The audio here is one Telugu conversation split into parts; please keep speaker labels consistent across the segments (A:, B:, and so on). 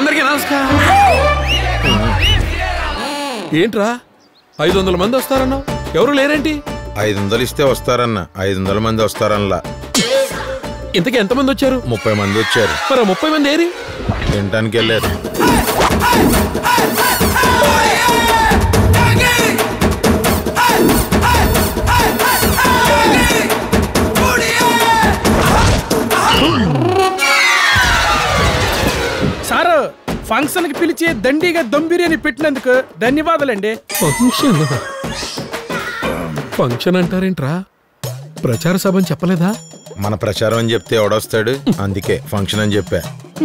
A: అందరికీ నమస్కారం. ఏంట్రా 500 మంది వస్తారన్నావు, ఎవరు లేరేంటి?
B: 500 ఇస్తే వస్తారన్న, 500 మంది వస్తారనలా.
A: ఇంతకీ ఎంతమంది వచ్చారు?
B: 30 మంది వచ్చారు.
A: మరి 30 మంది ఏరి
B: తినటానికి వెళ్ళారు.
C: సార్, ఫంక్షన్ కి పిలిచి దండిగా దమ్ బిర్యానీ పెట్టినందుకు ధన్యవాదాలండి.
A: ఫంక్షన్ అంటారేంట్రా? ప్రచార సభ అని చెప్పలేదా?
B: మన ప్రచారం అని చెప్తే ఎవడొస్తాడు, అందుకే ఫంక్షన్ అని చెప్పా.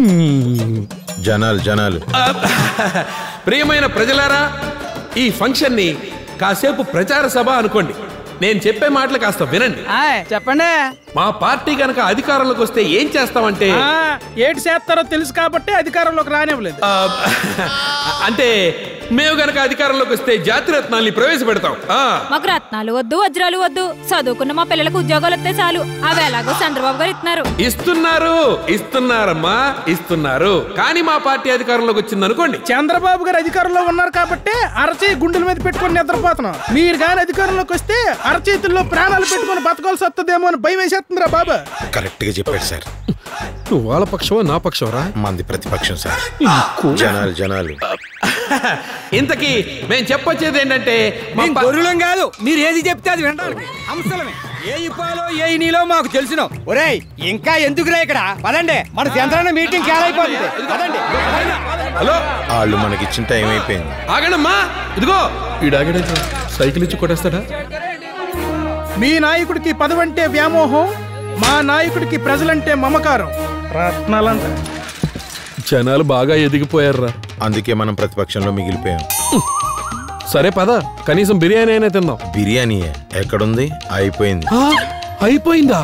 B: జనాలు
A: ప్రియమైన ప్రజలారా, ఈ ఫంక్షన్ ని కాసేపు ప్రచార సభ అనుకోండి. నేను చెప్పే మాటలు కాస్త వినండి.
C: చెప్పండి.
A: మా పార్టీ కనుక అధికారంలోకి వస్తే ఏం చేస్తామంటే,
C: ఏటి చేస్తారో తెలుసు కాబట్టి అధికారంలోకి రానివ్వలేదు.
A: అంటే మేము గనక అధికారంలోకి వస్తే జాతిరత్నాల్ని ప్రవేశపెడతాం.
D: మాకు రత్నాలు వద్దు, వజ్రాలు వద్దు, చదువుకున్న మా పిల్లలకు ఉద్యోగాలు వస్తే చాలు. అవి ఎలాగో చంద్రబాబు గారు
A: ఇస్తున్నారమ్మా, ఇస్తున్నారు. కానీ మా పార్టీ అధికారంలోకి వచ్చింది అనుకోండి,
C: చంద్రబాబు గారు అధికారంలో ఉన్నారు కాబట్టి అరచేయి గుండెల మీద పెట్టుకుని నిద్రపోతున్నాం. మీరు కానీ అధికారంలోకి వస్తే అరచేతుల్లో ప్రాణాలు పెట్టుకుని బతకాల్సి వస్తుందేమో అని భయం వేసేస్తుందిరా బాబా.
B: కరెక్ట్ గా చెప్పాడు సార్.
A: నువ్వు వాళ్ళ పక్షమా నా పక్షమరా?
B: మంది ప్రతిపక్షం సార్. జనాలు
A: ఇంతకీ మేము చెప్పొచ్చేది ఏంటంటే,
E: గొర్రెలం కాదు, మీరు ఏది చెప్తే అది వినడానికి హంసలమే. ఏ ఇప్పాలో ఏ నీలో మాకు తెలిసిన. ఒరేయ్, ఇంకా ఎందుకురా ఇక్కడ? పదండి, మన చంద్రన్న మీటింగ్ క్యాలైపోతుంది. పదండి.
A: హలో,
B: వాళ్ళు మనకిచ్చిన టైం అయిపోయింది.
A: ఆగండమ్మా. ఇదిగో ఈడాగడే సైకిల్ ఇచ్చి కొట్టేస్తాడా?
C: మీ నాయకుడికి పదవంటే వ్యామోహం, మా నాయకుడికి ప్రజలంటే మమకారం. రత్నాలంట.
A: జనాలు బాగా ఎదిగిపోయారా,
B: అందుకే మనం ప్రతిపక్షంలో మిగిలిపోయాం.
A: సరే పద, కనీసం బిర్యానీ అయినా తిందాం.
B: బిర్యానీ ఎక్కడుంది? అయిపోయింది.
A: అయిపోయిందా?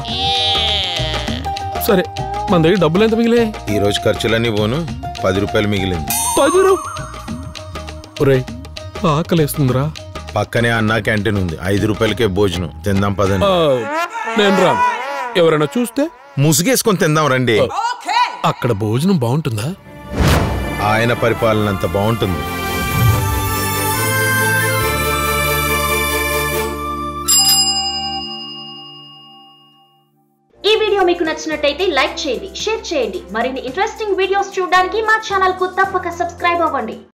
A: సరే, మన దగ్గర డబ్బులు ఎంత మిగిలే?
B: ఈ రోజు ఖర్చులన్నీ పోను 10 రూపాయలు మిగిలింది.
A: 10 రూపాయలు? ఒరేయ్, ఆకలేస్తుందిరా.
B: పక్కనే అన్నా క్యాంటీన్ ఉంది, 5 రూపాయలకే భోజనం. తిందాం పదండి.
A: నేను రాను. ఎవరైనా చూస్తే
B: ముసుగేసుకొని తిందాం రండి.
A: అక్కడ భోజనం బాగుంటుందా?
B: ఆయన పరిపాలన అంత బాగుంటుంది.
F: ఈ వీడియో మీకు నచ్చినట్టయితే లైక్ చేయండి, షేర్ చేయండి. మరిన్ని ఇంట్రెస్టింగ్ వీడియోస్ చూడడానికి మా ఛానల్ కు తప్పక సబ్స్క్రైబ్ అవ్వండి.